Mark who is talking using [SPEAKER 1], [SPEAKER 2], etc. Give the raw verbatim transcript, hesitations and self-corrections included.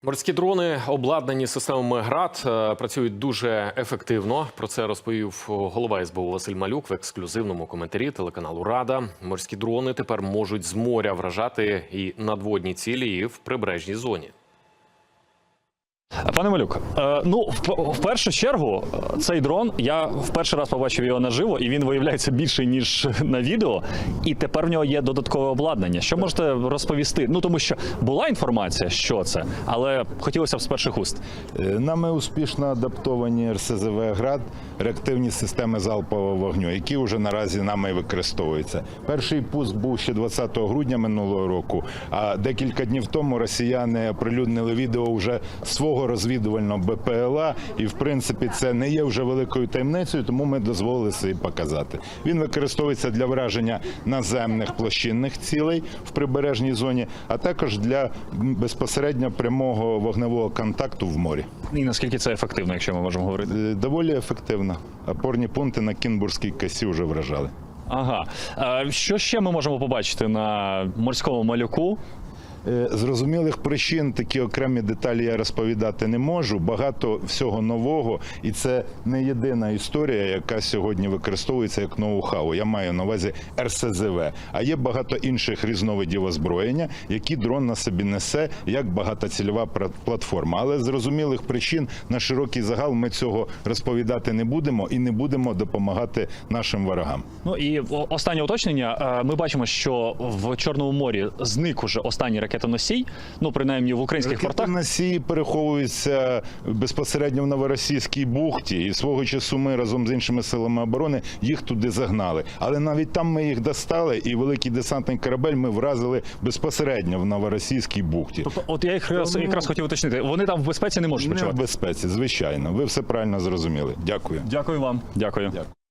[SPEAKER 1] Морські дрони, обладнані системами ГРАД, працюють дуже ефективно. Про це розповів голова ес бе у Василь Малюк в ексклюзивному коментарі телеканалу «Рада». Морські дрони тепер можуть з моря вражати і надводні цілі, і в прибережній зоні.
[SPEAKER 2] Пане Малюк, е, ну, в, в першу чергу, цей дрон, я в перший раз побачив його наживо, і він виявляється більший, ніж на відео, і тепер в нього є додаткове обладнання. Що можете розповісти? Ну, тому що була інформація, що це, але хотілося б з перших уст.
[SPEAKER 3] Нами успішно адаптовані ер ес зет ве «Град», реактивні системи залпового вогню, які вже наразі нами використовуються. Перший пуск був ще двадцятого грудня минулого року, а декілька днів тому росіяни оприлюднили відео вже свого розвідувального бе пе el а, і в принципі це не є вже великою таємницею, тому ми дозволили собі показати. Він використовується для враження наземних площинних цілей в прибережній зоні, а також для безпосередньо прямого вогневого контакту в морі.
[SPEAKER 2] І наскільки це ефективно, якщо ми можемо говорити?
[SPEAKER 3] Доволі ефективно. Опорні пункти на Кінбурзькій косі вже вражали.
[SPEAKER 2] Ага. А що ще ми можемо побачити на морському малюку?
[SPEAKER 3] Зрозумілих причин такі окремі деталі я розповідати не можу. Багато всього нового, і це не єдина історія, яка сьогодні використовується як ноу-хау. Я маю на увазі ер ес зет ве. А є багато інших різновидів озброєння, які дрон на собі несе як багатоцільова платформа. Але з зрозумілих причин на широкий загал ми цього розповідати не будемо і не будемо допомагати нашим ворогам.
[SPEAKER 2] Ну і останнє уточнення. Ми бачимо, що в Чорному морі зник уже останній ракетоносій, ну, принаймні в українських портах.
[SPEAKER 3] Ракетоносії переховуються безпосередньо в Новоросійській бухті, і свого часу ми разом з іншими силами оборони їх туди загнали. Але навіть там ми їх достали, і великий десантний корабель ми вразили безпосередньо в Новоросійській бухті.
[SPEAKER 2] Тобто, от я якраз,
[SPEAKER 3] Тому...
[SPEAKER 2] якраз хотів уточнити, вони там в безпеці не можуть почувати?
[SPEAKER 3] Не в безпеці, звичайно. Ви все правильно зрозуміли. Дякую.
[SPEAKER 2] Дякую вам. Дякую. Дякую.